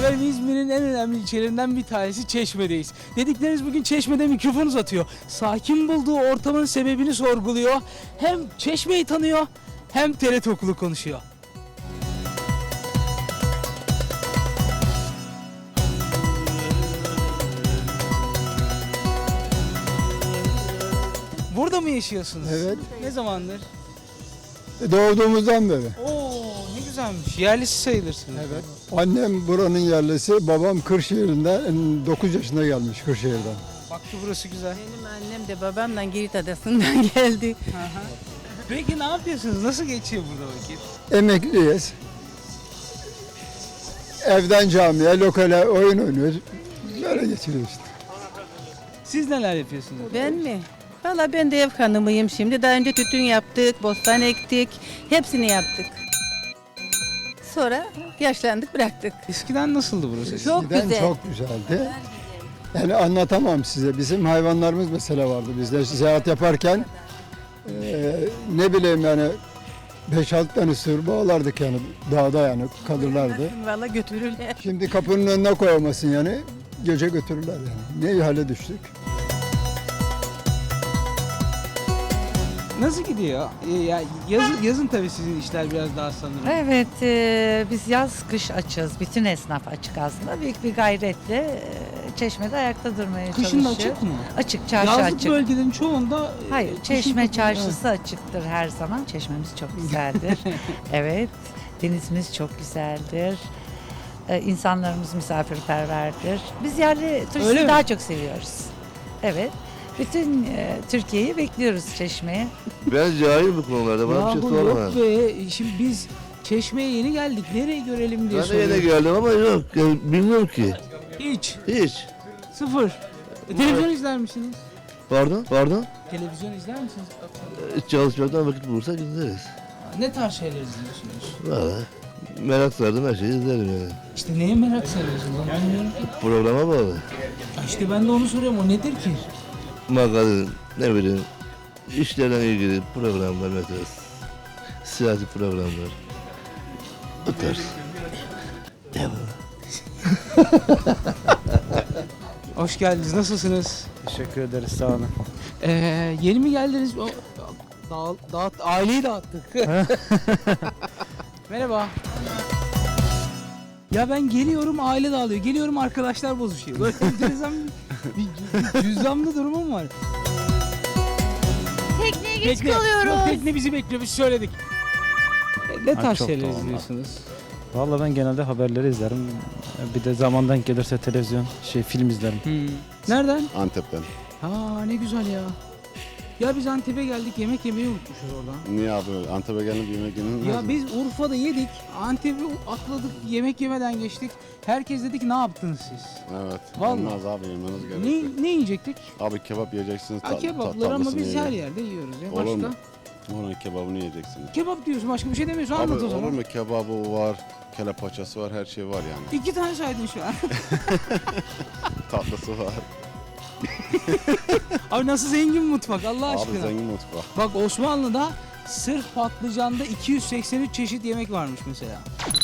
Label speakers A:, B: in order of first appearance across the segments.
A: Efendim İzmir'in en önemli ilçelerinden bir tanesi Çeşme'deyiz. Dedikleriniz bugün Çeşme'de mikrofon uzatıyor. Sakin bulduğu ortamın sebebini sorguluyor. Hem Çeşme'yi tanıyor hem TRT Okulu konuşuyor. Burada mı yaşıyorsunuz?
B: Evet.
A: Ne zamandır?
B: Doğduğumuzdan beri.
A: Oo, ne güzelmiş. Yerlisi sayılırsınız.
B: Evet. Annem buranın yerlisi, babam Kırşehir'den 9 yaşında gelmiş Kırşehir'den.
A: Baktı burası güzel.
C: Benim annem de babam da Girit Adası'ndan geldi.
A: Peki ne yapıyorsunuz? Nasıl geçiyor burada vakit?
B: Emekliyiz. Evden camiye, lokale oyun oynuyoruz. Böyle geçiriyoruz işte.
A: Siz neler yapıyorsunuz?
C: Ben mi? Valla ben de ev hanımıyım şimdi. Daha önce tütün yaptık, bostan ektik. Hepsini yaptık. Sonra yaşlandık bıraktık.
A: Eskiden nasıldı burası?
C: Çok
B: Eskiden
C: güzel.
B: çok güzeldi. Yani anlatamam size. Bizim hayvanlarımız mesela vardı. Biz de seyahat yaparken ne bileyim yani 5-6 tane sığır bağlardık yani dağda yani kalırlardı.
C: Valla götürürler.
B: Şimdi kapının önüne koyamasın yani gece götürürler yani. Ne hale düştük.
A: Nasıl gidiyor? Ya yazın tabii sizin işler biraz daha sanırım.
D: Evet, biz yaz kış açız. Bütün esnaf açık aslında. Büyük bir gayretle Çeşme'de ayakta durmaya
A: Kışın da
D: çalışıyor.
A: açık mı?
D: Açık, çarşı
A: Yazlık
D: açık.
A: bölgelerin çoğunda
D: Hayır,
A: kışın
D: Çeşme
A: kapalı.
D: çarşısı açıktır her zaman. Çeşmemiz çok güzeldir. Evet, denizimiz çok güzeldir. İnsanlarımız misafirperverdir. Biz yerli
A: Öyle
D: turisti
A: mi?
D: daha çok seviyoruz. Evet. Bütün Türkiye'yi bekliyoruz Çeşme'ye.
E: Ben cahil bu konularda. Bana bir şey
A: Yahu
E: sorma.
A: yok be. Şimdi biz Çeşme'ye yeni geldik. Nereye görelim diye
E: Ben de yine
A: soruyorum.
E: geldim ama yok. Yani bilmiyorum ki.
A: Hiç.
E: Hiç.
A: Sıfır. Televizyon izler misiniz?
E: Pardon? Pardon?
A: Televizyon izler misiniz?
E: Çalışmaktan vakit bulursa gideriz.
A: Ne tarz şeyler izliyorsunuz?
E: Valla. Merak sardım her şeyi izlerim yani.
A: İşte neye merak sarıyorsunuz? Ben bilmiyorum ki.
E: Programa bağlı.
A: Ya İşte ben de onu soruyorum. O nedir ki?
E: Magazin, ne bileyim. İşlerle ilgili programlar mesela. Siyasi programlar. Bu tarz.
A: Hoş geldiniz. Nasılsınız?
F: Teşekkür ederiz, sağ olun.
A: Yeni mi geldiniz? Aileyi dağıttık. Merhaba. Ya ben geliyorum aile dağılıyor. Geliyorum arkadaşlar bozuşuyor. Böyle enteresan bir cüzdanlı durumum var.
G: Tekneye geç
A: Tekne,
G: kalıyoruz.
A: yok, tekne bizi bekliyor. Biz söyledik. Ne tarz
F: çok
A: şeyler
F: doğal.
A: izliyorsunuz?
F: Vallahi ben genelde haberleri izlerim. Bir de zamandan gelirse televizyon, film izlerim.
A: Nereden?
H: Antep'ten.
A: Ha ne güzel ya. Ya biz Antep'e geldik yemek yemeyi unutmuşuz orada.
H: Niye abi? Antep'e gelip yemek yenilmez
A: Ya
H: mi?
A: biz Urfa'da yedik, Antep'i atladık, yemek yemeden geçtik. Herkes dedi ki ne yaptınız siz?
H: Evet.
A: Vallahi.
H: Olmaz abi yemeniz gerekiyor.
A: Ne yiyecektik?
H: Abi kebap yiyeceksiniz.
A: Ha, kebaplar ama biz her yerde yiyoruz ya.
H: Olur
A: Başka?
H: mu? Oranın kebabını yiyeceksiniz.
A: Kebap diyorsun, başka bir şey demiyorsun.
H: Abi
A: Anlat o
H: olur
A: zaman.
H: mu? Kebabı var, kelle paçası var, her şey var yani.
A: 2 tane saydın şu an.
H: Tatlısı var.
A: Abi nasıl zengin mutfak Allah
H: Abi
A: aşkına.
H: zengin mutfak.
A: Bak Osmanlı'da sırf patlıcanda 283 çeşit yemek varmış mesela.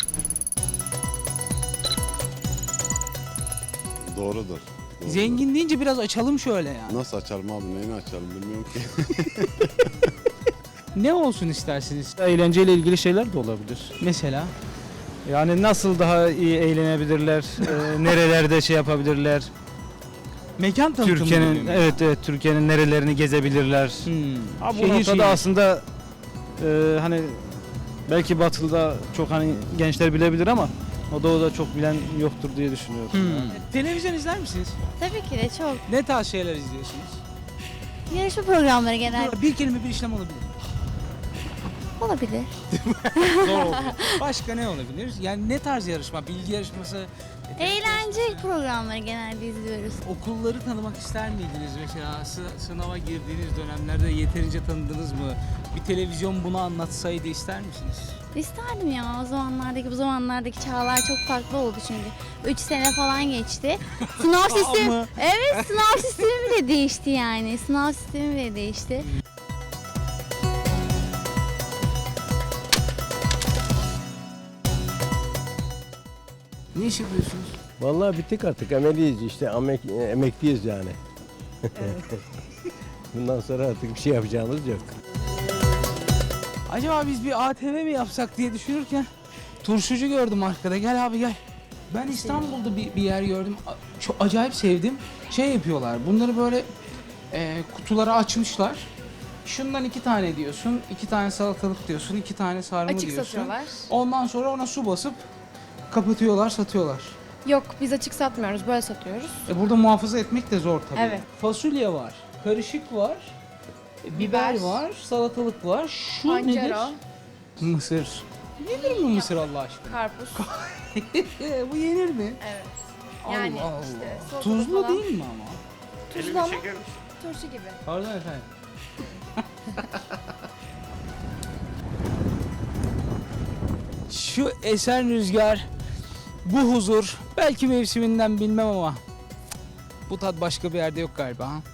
H: Doğrudur. Doğrudur.
A: Zengin deyince biraz açalım şöyle yani.
H: Nasıl açalım abi? Neyini açalım bilmiyorum ki.
A: Ne olsun istersiniz?
F: Eğlenceyle ilgili şeyler de olabilir.
A: Mesela?
F: Yani nasıl daha iyi eğlenebilirler, nerelerde şey yapabilirler.
A: Mekan tanıtımı
F: Türkiye'nin
A: gibi mi?
F: evet Türkiye'nin nerelerini gezebilirler.
A: Hmm.
F: Abi bu
A: Şehir
F: noktada
A: şehir.
F: aslında hani belki Batı'da çok hani gençler bilebilir ama o doğuda çok bilen yoktur diye düşünüyorum.
A: Televizyon izler misiniz?
G: Tabii ki de çok.
A: Ne tarz şeyler izliyorsunuz?
G: Yarışma programları genelde
A: Bir kelime bir işlem olabilir.
G: olabilir.
A: Zor oluyor. Başka ne olabilir? Yani ne tarz yarışma? Bilgi yarışması?
G: Eğlence programları genelde izliyoruz.
A: Okulları tanımak ister miydiniz? Mesela sınava girdiğiniz dönemlerde yeterince tanıdınız mı? Bir televizyon bunu anlatsaydı ister misiniz?
G: İsterdim ya bu zamanlardaki çağlar çok farklı oldu çünkü. 3 sene falan geçti. Sınav sistemi,
A: Ama-
G: evet sınav sistemi bile değişti yani. Sınav sistemi bile değişti.
A: Ne iş yapıyorsunuz?
I: Vallahi bittik artık, emekliyiz işte, emekliyiz yani. Bundan sonra artık bir şey yapacağımız yok.
A: Acaba biz bir ATV mi yapsak diye düşünürken turşucu gördüm arkada. Gel abi gel. Ben İstanbul'da bir yer gördüm. Çok acayip sevdim. Şey yapıyorlar. Bunları böyle kutulara açmışlar. Şundan 2 tane diyorsun, 2 tane salatalık diyorsun, 2 tane sarma
J: Açık
A: diyorsun.
J: satıyorlar.
A: Ondan sonra ona su basıp kapatıyorlar, satıyorlar.
J: Yok biz açık satmıyoruz, böyle satıyoruz.
A: Burada muhafaza etmek de zor tabii.
J: Evet.
A: Fasulye var, karışık var, biber
J: Biber.
A: var, salatalık var. Şu
J: Pancara,
A: nedir? Mısır. Yenir mi mısır Allah aşkına?
J: karpuz.
A: Bu yenir mi?
J: Evet.
A: Allah
J: Yani
A: Allah.
J: işte salatada
A: Tuzlu
J: falan.
A: değil mi ama?
J: Tuzlu ama turşu gibi.
A: Pardon efendim. Şu esen rüzgar, bu huzur, belki mevsiminden bilmem ama bu tat başka bir yerde yok galiba. Ha?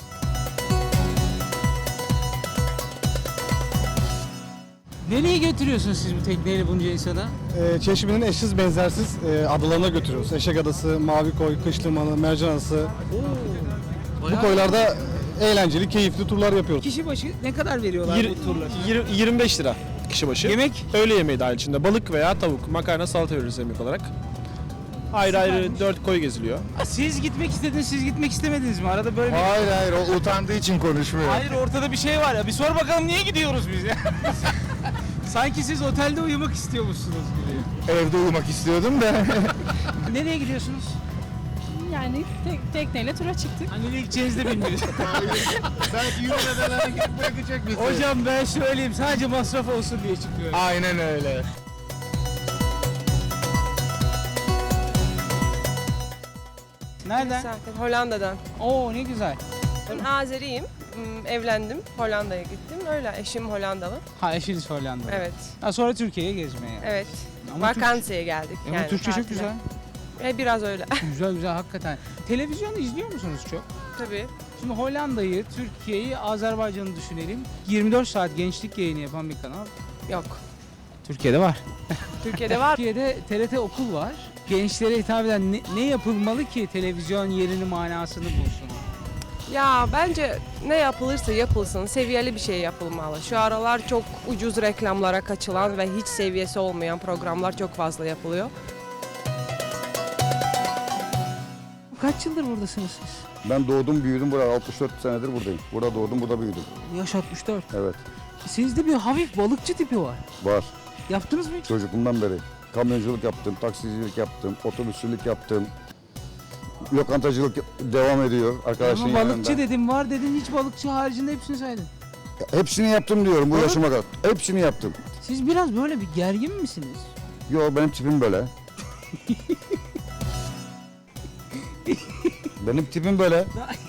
A: Nereye götürüyorsunuz siz bu tekneyle bunca insana?
F: Çeşmenin eşsiz benzersiz adalarına götürüyoruz. Eşek Adası, Mavi Koy, Kış Limanı, Mercan Adası. Bu koylarda eğlenceli, keyifli turlar yapıyoruz.
A: Kişi başı ne kadar veriyorlar bu turlar?
K: 25 lira kişi başı.
A: Yemek?
K: Öğle yemeği dahil içinde. Balık veya tavuk, makarna, salata veririz yemek olarak. Ayrı ayrı 4 koy geziliyor.
A: Siz gitmek istediniz, siz gitmek istemediniz mi? Arada böyle bir...
H: Hayır o utandığı için konuşmuyor.
A: Hayır ortada bir şey var ya. Bir sor bakalım niye gidiyoruz biz ya? Sanki siz otelde uyumak istiyormuşsunuz gibi.
H: Evde uyumak istiyordum da.
A: Nereye gidiyorsunuz?
C: Yani tekneyle tura çıktık.
A: Hani nereye gideceğinizi de bilmiyoruz.
H: Belki yürümeden gidip bırakacak bizi.
A: Hocam ben söyleyeyim sadece masraf olsun diye çıkıyorum.
H: Aynen öyle.
A: Nereden?
C: Hollanda'dan.
A: Oo ne güzel.
C: Ben Azeriyim. Evlendim. Hollanda'ya gittim. Öyle eşim Hollandalı.
A: Ha eşiniz Hollanda.
C: Evet.
A: Ha, sonra Türkiye'ye gezmeye.
C: Evet.
A: Ama
C: Vakansiyeye geldik.
A: Ama Türkçe çok güzel.
C: Biraz öyle.
A: Güzel güzel hakikaten. Televizyonu izliyor musunuz çok?
C: Tabii.
A: Şimdi Hollanda'yı, Türkiye'yi, Azerbaycan'ı düşünelim. 24 saat gençlik yayını yapan bir kanal.
C: Yok.
A: Türkiye'de var.
C: Türkiye'de var.
A: Türkiye'de TRT Okul var. Gençlere hitap eden ne yapılmalı ki televizyon yerini manasını bulsun?
C: Ya bence ne yapılırsa yapılsın seviyeli bir şey yapılmalı. Şu aralar çok ucuz reklamlara kaçılan ve hiç seviyesi olmayan programlar çok fazla yapılıyor.
A: Kaç yıldır buradasınız siz?
H: Ben doğdum büyüdüm burada 64 senedir buradayım. Burada doğdum burada büyüdüm.
A: Yaş 64.
H: Evet
A: Sizde bir hafif balıkçı tipi var.
H: var.
A: Yaptınız mı hiç?
H: Çocukluğumdan beri. Kamyonculuk yaptım, taksicilik yaptım, otobüsçülük yaptım. Lokantacılık devam ediyor arkadaşın
A: Ama balıkçı
H: yanında.
A: dedim var dedin hiç balıkçı haricinde hepsini saydın.
H: Hepsini yaptım diyorum bu
A: Evet.
H: yaşıma kadar. Hepsini yaptım.
A: Siz biraz böyle bir gergin misiniz?
H: Yo benim tipim böyle. Benim tipim böyle.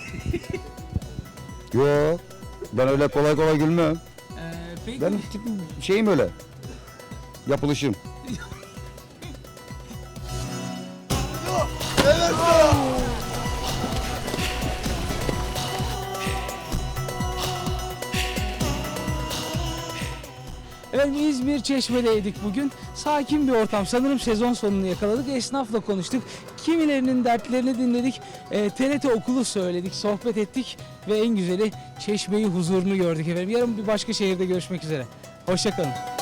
H: Yo ben öyle kolay kolay gülmem.
A: Peki.
H: Benim tipim şeyim öyle. Yapılışım.
A: Evet İzmir Çeşme'deydik bugün. Sakin bir ortam. Sanırım sezon sonunu yakaladık. Esnafla konuştuk. Kimilerinin dertlerini dinledik. TRT Okulu söyledik, sohbet ettik ve en güzeli Çeşme'yi huzurunu gördük efendim. Yarın bir başka şehirde görüşmek üzere. Hoşça kalın.